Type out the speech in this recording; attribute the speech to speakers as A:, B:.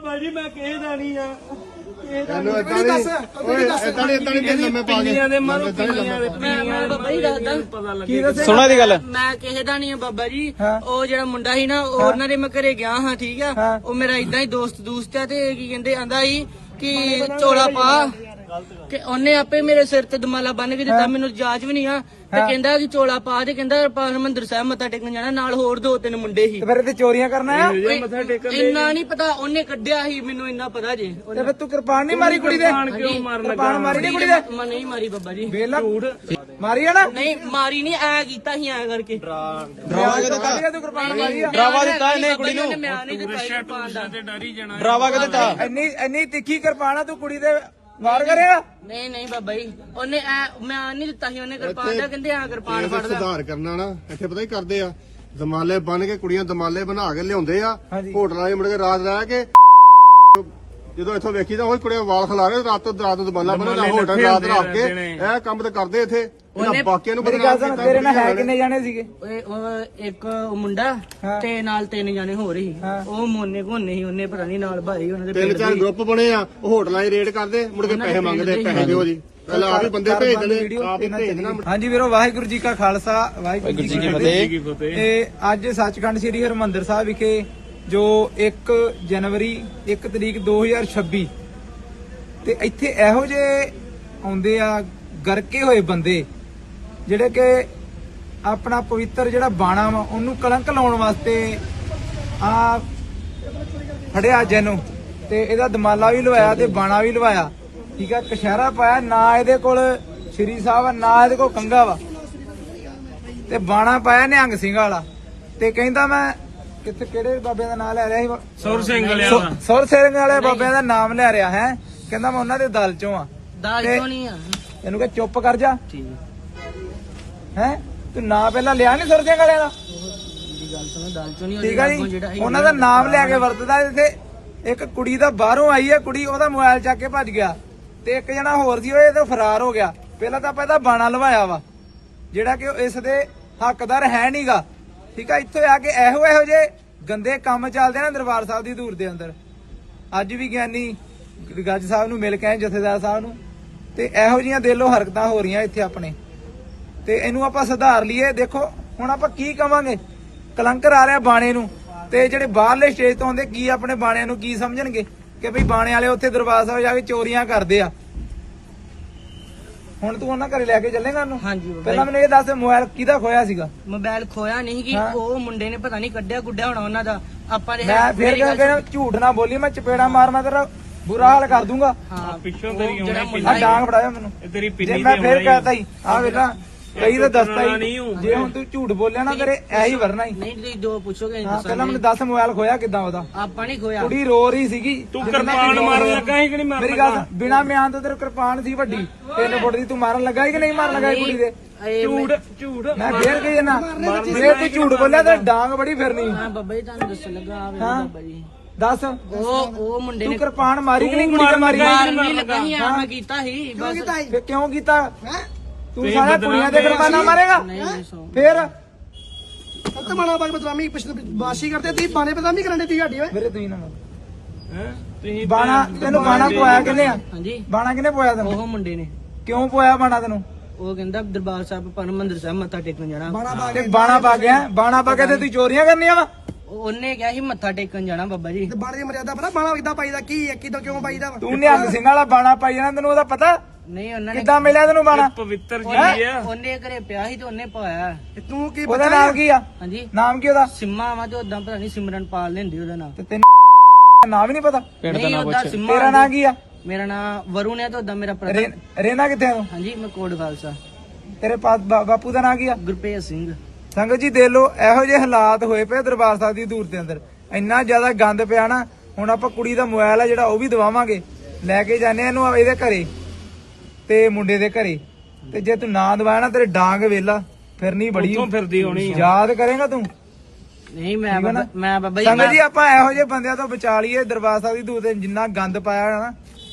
A: ਬਾਬਾ ਜੀ ਮੈਂ ਕਿਸੇ ਦਾ ਨਹੀਂ ਆ
B: ਸੁਣਾ ਦੀ ਗੱਲ
C: ਮੈਂ ਕਿਸੇ ਦਾ ਨਹੀਂ ਆ ਬਾਬਾ ਜੀ। ਉਹ ਜਿਹੜਾ ਮੁੰਡਾ ਸੀ ਨਾ ਉਹਨਾਂ ਦੇ ਮੈਂ ਘਰੇ ਗਿਆ ਹਾਂ ਠੀਕ ਆ। ਉਹ ਮੇਰਾ ਇਦਾਂ ਹੀ ਦੋਸਤ ਆ ਤੇ ਕੀ ਕਹਿੰਦੇ ਆਂਦਾ ਸੀ ਕਿ ਚੋਲਾ ਪਾ ਕਿ ਉਹਨੇ ਆਪੇ ਮੇਰੇ ਸਿਰ ਤੇ ਦਮਾਲਾ ਬੰਨ ਕੇ ਦਿੱਤਾ। ਮੈਨੂੰ ਜਾਂਚ ਵੀ ਨਹੀਂ ਆ ਤੇ ਕਹਿੰਦਾ ਕਿ ਚੋਲਾ ਪਾ ਤੇ ਕਹਿੰਦਾ ਹਰਿਮੰਦਰ ਸਾਹਿਬ ਮੱਥਾ ਟੇਕਣ ਜਾਣਾ। ਨਾਲ ਹੋਰ 2-3 ਮੁੰਡੇ ਸੀ।
D: ਫਿਰ ਤੇ ਚੋਰੀਆਂ ਕਰਨਾ ਆ
C: ਇੰਨਾ ਨਹੀਂ ਪਤਾ ਉਹਨੇ ਕੱਢਿਆ ਸੀ ਮੈਨੂੰ ਇੰਨਾ ਪਤਾ ਜੇ।
D: ਤੇ ਫਿਰ ਤੂੰ ਕਿਰਪਾਨ ਨਹੀਂ ਮਾਰੀ ਕੁੜੀ ਦੇ? ਕਿਰਪਾਨ ਮਾਰੀ ਨਹੀਂ ਕੁੜੀ ਦੇ?
C: ਮੈਂ ਨਹੀਂ ਮਾਰੀ ਬਾਬਾ ਜੀ।
D: ਵੇਲਾ ਮਾਰੀ ਆ ਨਾ?
C: ਨਹੀਂ ਮਾਰੀ ਨਹੀਂ ਐ ਕੀਤਾ ਸੀ ਐ ਕਰਕੇ।
D: ਡਰਾਵਾ ਕਿਤੇ ਤੂੰ ਕਿਰਪਾਨ ਮਾਰੀ ਆ?
B: ਡਰਾਵਾ ਦਿੱਤਾ ਇਹਨੇ ਕੁੜੀ ਨੂੰ।
C: ਮੈਂ ਨਹੀਂ ਦਿੱਤਾ ਕਿਰਪਾਨ ਦਾ।
B: ਡਰਾਵਾ ਕਿਤੇ ਦਿੱਤਾ?
D: ਇੰਨੀ ਤਿੱਖੀ ਕਿਰਪਾਨ ਆ ਤੂੰ ਕੁੜੀ ਦੇ ਵਾਰ ਕਰੇਗਾ?
C: ਨਹੀਂ ਬਾਬਾ ਜੀ ਉਹਨੇ ਮੈਂ ਨਹੀਂ ਦਿੱਤਾ ਸੀ ਉਹਨੇ ਕਿਰਪਾਨ ਦਾ। ਕਹਿੰਦੇ ਆ ਕਿਰਪਾਨ ਫੜਦਾ।
E: ਸੁਧਾਰ ਕਰਨਾ ਨਾ ਇੱਥੇ ਪਤਾ ਹੀ ਕਰਦੇ ਆ ਦਮਾਲੇ ਬਣ ਕੇ ਕੁੜੀਆਂ ਦਮਾਲੇ ਬਣਾ ਕੇ ਲਿਆਉਂਦੇ ਆ ਹੋਟਲਾਂ 'ਚ ਮੁੜ ਕੇ ਰਾਤ ਰਹਿ ਕੇ ਜਦੋਂ ਇੱਥੋਂ ਵੇਖੀ ਤਾਂ ਉਹ ਕੁੜੀਆਂ ਵਾਲ ਖਿਲਾ ਕੇ ਰਾਤ ਨੂੰ ਦਮਾਲਾ ਬਣਾ ਹੋਟਲ ਰਾਤ ਰੱਖ ਕੇ ਇਹ ਕੰਮ ਤੇ ਕਰਦੇ ਇੱਥੇ ਇਹਨਾਂ ਬਾਕੀਆਂ ਨੂੰ ਬਦਨਾਮ ਕੀਤਾ।
D: ਤੇਰੇ ਨਾਲ ਹੈ ਕਿੰਨੇ ਜਾਣੇ ਸੀਗੇ?
C: ਇੱਕ ਮੁੰਡਾ ਤੇ ਨਾਲ 3 ਜਾਣੇ ਹੋ ਰਹੀ। ਉਹ ਮੋਨੇ ਘੋਨੇ ਸੀ ਉਹਨੇ ਪਤਾ ਨਹੀਂ ਨਾਲ ਭਾਈ ਉਹਨਾਂ ਦੇ
E: 3-4 ਗਰੁੱਪ ਬਣੇ ਆ। ਉਹ ਹੋਟਲਾਂ 'ਚ ਰੇਡ ਕਰਦੇ ਮੁੜ ਕੇ ਪੈਸੇ ਮੰਗਦੇ ਪੈਸੇ ਦਿਓ ਜੀ। ਪਹਿਲਾਂ ਆਪ ਹੀ ਬੰਦੇ ਭੇਜ ਦੇਣੇ ਆਪ ਹੀ ਭੇਜ ਦੇਣਾ।
D: ਹਾਂਜੀ ਵੀਰੋ ਵਾਹਿਗੁਰੂ ਜੀ ਕਾ ਖਾਲਸਾ ਵਾਹਿਗੁਰੂ ਜੀ ਕੀ ਫਤਿਹ। ਤੇ ਅੱਜ ਸੱਚਖੰਡ ਸ੍ਰੀ ਹਰਿਮੰਦਰ ਸਾਹਿਬ ਵਿਖੇ ਜੋ 1 ਜਨਵਰੀ 1 ਤਰੀਕ 2026 ਤੇ ਇੱਥੇ ਇਹੋ ਜਿਹੇ ਆਉਂਦੇ ਆ ਗਰਕੇ ਹੋਏ ਬੰਦੇ ਜਿਹੜੇ ਕਿ ਆਪਣਾ ਪਵਿੱਤਰ ਜਿਹੜਾ ਬਾਣਾ ਵਾ ਉਹਨੂੰ ਕਲੰਕ ਲਾਉਣ ਵਾਸਤੇ ਆ ਫੜਿਆ ਜੈਨੂੰ ਤੇ ਇਹਦਾ ਦਮਾਲਾ ਵੀ ਲਵਾਇਆ ਤੇ ਬਾਣਾ ਵੀ ਲਵਾਇਆ। ਠੀਕ ਆ ਕਸ਼ਹਿਰਾ ਪਾਇਆ ਨਾ ਇਹਦੇ ਕੋਲ ਸ਼੍ਰੀ ਸਾਹਿਬ ਆ ਨਾ ਇਹਦੇ ਕੋਲ ਕੰਗਾ ਵਾ ਤੇ ਬਾਣਾ ਪਾਇਆ ਨਿਹੰਗ ਸਿੰਘ ਵਾਲਾ ਤੇ ਕਹਿੰਦਾ ਮੈਂ ਕਿੱਥੇ ਕਿਹੜੇ ਬਾਬੇ ਦਾ ਨਾਮ ਲੈ ਰਿਹਾ ਸੀ?
A: ਸੁਰ ਸਿੰਘ
D: ਵਾਲੇ ਬਾਬਿਆਂ ਦਾ ਨਾਮ ਲੈ ਰਿਹਾ ਹੈ। ਕਹਿੰਦਾ ਮੈਂ ਉਹਨਾਂ ਦੇ ਦਲ ਚੋਂ ਆ।
C: ਦਾਲ ਚੋਂ ਨਹੀਂ ਆ।
D: ਇਹਨੂੰ ਕਹ ਚੁੱਪ ਕਰ ਜਾ।
C: ਠੀਕ
D: ਹੈ ਤੂੰ ਨਾਂ ਪਹਿਲਾਂ ਲਿਆ ਨੀ ਸੁਰ ਸਿੰਘ ਵਾਲਿਆਂ ਦਾ?
C: ਗੱਲ ਸੁਣੋ ਦਾਲ ਚੋਂ ਨਹੀਂ।
D: ਠੀਕ ਆ ਜੀ ਉਹਨਾਂ ਦਾ ਨਾਮ ਲੈ ਕੇ ਵਰਤਦਾ। ਇੱਥੇ ਇੱਕ ਕੁੜੀ ਦਾ ਬਾਹਰੋਂ ਆਈ ਹੈ ਕੁੜੀ ਉਹਦਾ ਮੋਬਾਈਲ ਚੱਕ ਕੇ ਭੱਜ ਗਿਆ ਤੇ ਇੱਕ ਜਣਾ ਹੋਰ ਸੀ ਉਹ ਇਹਦੇ ਫਰਾਰ ਹੋ ਗਿਆ। ਪਹਿਲਾਂ ਤਾਂ ਆਪਾਂ ਇਹਦਾ ਬਾਣਾ ਲਵਾਇਆ ਵਾ ਜਿਹੜਾ ਕਿ ਇਸ ਦੇ ਹੱਕਦਾਰ ਹੈ ਨਹੀਂਗਾ। ਠੀਕ ਆ ਇੱਥੇ ਆ ਕੇ ਇਹੋ ਜਿਹੇ ਗੰਦੇ ਕੰਮ ਚੱਲਦੇ ਨਾ ਦਰਬਾਰ ਸਾਹਿਬ ਦੀ ਧੂੜ ਦੇ ਅੰਦਰ। ਅੱਜ ਵੀ ਗਿਆਨੀ ਗੱਜ ਸਾਹਿਬ ਨੂੰ ਮਿਲ ਕੇ ਆਏ ਜਥੇਦਾਰ ਸਾਹਿਬ ਨੂੰ ਤੇ ਇਹੋ ਜਿਹੀਆਂ ਦਿਲੋਂ ਹਰਕਤਾਂ ਹੋ ਰਹੀਆਂ ਇੱਥੇ ਆਪਣੇ ਤੇ ਇਹਨੂੰ ਆਪਾਂ ਸੁਧਾਰ ਲਈਏ। ਦੇਖੋ ਹੁਣ ਆਪਾਂ ਕੀ ਕਵਾਂਗੇ ਕਲੰਕਰ ਆ ਰਿਹਾ ਬਾਣੇ ਨੂੰ ਤੇ ਜਿਹੜੇ ਬਾਹਰਲੇ ਸਟੇਜ ਤੋਂ ਆਉਂਦੇ ਕੀ ਆਪਣੇ ਬਾਣਿਆਂ ਨੂੰ ਕੀ ਸਮਝਣਗੇ ਕਿ ਭਈ ਬਾਣੇ ਵਾਲੇ ਉੱਥੇ ਦਰਬਾਰ ਸਾਹਿਬ ਜਾ ਕੇ ਚੋਰੀਆਂ ਕਰਦੇ ਆ। ਹੁਣ ਤੂੰ ਉਹਨਾਂ ਘਰੇ ਲੈ ਕੇ ਚੱਲੇਗਾ ਉਹਨੂੰ?
C: ਹਾਂਜੀ
D: ਪਹਿਲਾਂ ਮੈਨੂੰ ਇਹ ਦੱਸ ਮੋਬਾਈਲ ਕਿਹਦਾ ਖੋਇਆ ਸੀਗਾ?
C: ਮੋਬਾਈਲ ਖੋਇਆ ਨਹੀਂ ਕਿ ਉਹ ਮੁੰਡੇ ਨੇ ਪਤਾ ਨਹੀਂ ਕੱਢਿਆ ਗੁੱਡਿਆ ਹੋਣਾ ਉਹਨਾਂ ਦਾ। ਆਪਾਂ ਦੇ
D: ਮੈਂ ਫਿਰ ਕਹਿੰਦਾ ਝੂਠ ਨਾ ਬੋਲੀ ਮੈਂ ਚਪੇੜਾ ਮਾਰ ਤੇਰਾ ਬੁਰਾ ਹਾਲ ਕਰ ਦੂੰਗਾ।
C: ਹਾਂ
A: ਪਿੱਛੋਂ ਤੇਰੀ ਆਉਣੀ
D: ਆ ਡਾਂਗ ਫੜਾਇਆ ਮੈਨੂੰ
A: ਤੇਰੀ
D: ਜੇ
A: ਪਿੰਨੀ
D: ਮੈਂ ਫਿਰ ਕਹਤਾ ਹੀ ਆ ਵੇਲਾ ਕਈ ਤਾਂ ਦੱਸਦਾ ਹੀ ਜੇ ਹੁਣ ਤੂੰ ਝੂਠ ਬੋਲਿਆ ਨਾ ਕਰੇ ਐਹੀ ਵਰਨਾ ਹੀ।
C: ਨਹੀਂ ਤੁਸੀਂ ਜੋ ਪੁੱਛੋਗੇ
D: ਪਹਿਲਾਂ ਮੈਨੂੰ ਦੱਸ ਮੋਬਾਈਲ ਖੋਇਆ ਕਿੱਦਾਂ ਉਹਦਾ?
C: ਆਪਾਂ ਨਹੀਂ ਖੋਇਆ।
D: ਕੁੜੀ ਰੋ ਰਹੀ ਸੀਗੀ।
A: ਤੂੰ ਕਿਰਪਾਨ ਮਾਰਨ ਲੱਗਾ ਸੀ ਕਿ ਨਹੀਂ ਮਾਰਨ
D: ਮੇਰੀ ਗੱਲ ਬਿਨਾ ਮਿਆਨ ਤੋਂ ਤੇਰੇ ਕਿਰਪਾਨ ਸੀ ਵੱਡੀ 3 ਫੁੱਟ ਦੀ ਤੂੰ ਮਾਰਨ ਲੱਗਾ ਕਿ ਨਹੀਂ ਮਾਰਨ ਲੱਗਾ ਕੁੜੀ ਦੇ?
A: ਝੂਠ
D: ਮੈਂ ਫੇਰ ਕਹੀ ਨਾ ਜੇ ਤੂੰ ਝੂਠ ਬੋਲਿਆ ਤਾਂ ਡਾਂਗ ਬੜੀ ਫਿਰਨੀ।
C: ਹਾਂ ਬਾਬਾ ਜੀ ਤੁਹਾਨੂੰ ਦੱਸਣ ਲੱਗਾ ਆ ਬਾਬਾ ਜੀ
D: ਦੱਸ
C: ਉਹ ਮੁੰਡੇ
D: ਤੂੰ
C: ਨੇ
D: ਕਿਰਪਾਨ ਮਾਰੀ ਕਿ ਨਹੀਂ ਕੁੜੀ ਤੇ ਮਾਰੀ?
C: ਨਹੀਂ ਲੱਗਾ ਸੀ ਆ ਮੈਂ ਕੀਤਾ ਸੀ ਬਸ।
D: ਫੇਰ ਕਿਉਂ ਕੀਤਾ? ਤੂੰ ਸਾਰਾ ਕੁੜੀਆਂ ਦੇ ਕਿਰਪਾਨਾਂ ਮਾਰੇਗਾ ਫੇਰ?
F: ਤੇ ਬਾਣਾ ਬਾਗ ਬਦਨਾਮੀ ਬਾਸ਼ੀ ਕਰਦੇ ਤੀ ਬਾਣੇ ਬਦਨਾਮੀ ਕਰਨ ਦੇ ਤੀ ਸਾਡੀ ਓਏ
D: ਮੇਰੇ ਤੁਸੀਂ ਨਾ
A: ਤੁਸੀਂ
D: ਬਾਣਾ ਤੈਨੂੰ ਬਾਣਾ ਪਵਾਇਆ ਕਿੰਨੇ ਆ?
C: ਹਾਂਜੀ
D: ਬਾਣਾ ਕਿੰਨੇ ਪਵਾਇਆ ਤੈਨੂੰ?
C: ਉਹ ਮੁੰਡੇ ਨੇ।
D: ਕਿਉਂ ਪਵਾਇਆ ਬਾਣਾ ਤੈਨੂੰ?
C: ਉਹ ਕਹਿੰਦਾ ਦਰਬਾਰ ਸਾਹਿਬ ਹਰਿਮੰਦਰ ਸਾਹਿਬ ਮੱਥਾ ਟੇਕਣ ਜਾਣਾ।
D: ਤੇ ਬਾਣਾ ਪਾ ਗਿਆ ਬਾਣਾ ਪਾ ਕੇ ਤੇ ਤੂੰ ਚੋਰੀਆਂ ਕਰਨੀਆਂ ਵਾ?
C: ਉਹਨੇ ਕਿਹਾ ਸੀ ਮੱਥਾ ਟੇਕਣ ਜਾਣਾ ਬਾਬਾ ਜੀ।
F: ਤੇ ਬਾਣੇ ਦੀ ਮਰਿਆਦਾ ਪਤਾ ਬਾਣਾ ਕਿੱਦਾਂ ਪਾਈਦਾ ਕੀ ਹੈ ਕਿੱਦਾਂ ਕਿਉਂ ਪਾਈਦਾ ਵਾ?
D: ਤੂੰ ਨਿਹੰਗ ਸਿੰਘ ਵਾਲਾ ਬਾਣਾ ਪਾਈ ਜਾਣਾ ਤੈਨੂੰ ਉਹਦਾ ਪਤਾ?
C: ਨਹੀਂ ਉਹਨਾਂ ਨੇ
D: ਕਿੱਦਾਂ ਮਿਲਿਆ ਤੈਨੂੰ ਬਾਣਾ?
A: ਪਵਿੱਤਰ ਜੀ ਆ।
C: ਉਹਨੇ ਘਰੇ ਪਿਆ ਸੀ ਤੇ ਉਹਨੇ ਪਾਇਆ।
F: ਤੇ ਤੂੰ ਕੀ
D: ਉਹਦਾ ਨਾਮ ਕੀ ਆ?
C: ਹਾਂਜੀ
D: ਨਾਮ ਕੀ ਉਹਦਾ?
C: ਸਿੰਮਾ ਵਾ ਤੇ ਉਦਾਂ ਪਤਾ ਨਹੀਂ ਸਿਮਰਨ ਪਾਲ ਲੈਂਦੀ ਉਹਦਾ ਨਾਮ।
D: ਤੇ ਤੈਨੂੰ ਨਾਮ ਹੀ ਨਹੀਂ ਪਤਾ?
C: ਨਹੀਂ ਉਹਦਾ ਸਿੰਮਾ।
D: ਤੇਰਾ ਨਾਮ ਕੀ ਆ?
C: ਮੇਰਾ ਨਾਮ ਵਰੁਣ ਹੈ ਤੇ ਉਦਾਂ ਮੇਰਾ ਭਰਾ।
D: ਰਹਿਣਾ ਕਿੱਥੇ ਤੂੰ?
C: ਹਾਂਜੀ ਮੈਂ ਕੋਟ ਖਾਲਸਾ।
D: ਤੇਰੇ ਬਾਪੂ ਦਾ ਨਾਮ ਕੀ ਆ?
C: ਗੁਰਪ੍ਰੀਤ ਸਿੰਘ।
D: ਸੰਗਤ ਜੀ ਦੇਖ ਲਓ ਇਹੋ ਜਿਹੇ ਹਾਲਾਤ ਹੋਏ ਪਏ ਦਰਬਾਰ ਸਾਹਿਬ ਦੀ ਧੂੜ ਦੇ ਅੰਦਰ। ਇੰਨਾ ਜ਼ਿਆਦਾ ਗੰਦ ਪਿਆ ਨਾ। ਹੁਣ ਆਪਾਂ ਕੁੜੀ ਦਾ ਮੋਬਾਈਲ ਆ ਜਿਹੜਾ ਉਹ ਵੀ ਦਵਾਵਾਂਗੇ ਲੈ ਕੇ ਜਾਣੇ ਇਹਨੂੰ ਇਹਦੇ ਘਰੇ ਤੇ ਮੁੰਡੇ ਦੇ ਘਰੇ ਤੇ ਜੇ ਤੂੰ ਨਾ ਦਵਾਇਆ ਨਾ ਤੇਰੇ ਡਾਂਗ ਵੇਲਾ ਫਿਰਨੀ ਬੜੀ
A: ਫਿਰਦੀ ਹੋਣੀ
D: ਯਾਦ ਕਰੇਗਾ ਤੂੰ?
C: ਨਹੀਂ ਮੈਂ ਬਾਬਾ ਜੀ
D: ਸੰਗਤ ਜੀ ਆਪਾਂ ਇਹੋ ਜਿਹੇ ਬੰਦਿਆਂ ਤੋਂ ਬਚਾ ਲਈਏ ਦਰਬਾਰ ਸਾਹਿਬ ਦੀ ਧੂੜ ਤੇ ਜਿੰਨਾ ਗੰਦ ਪਾਇਆ ਨਾ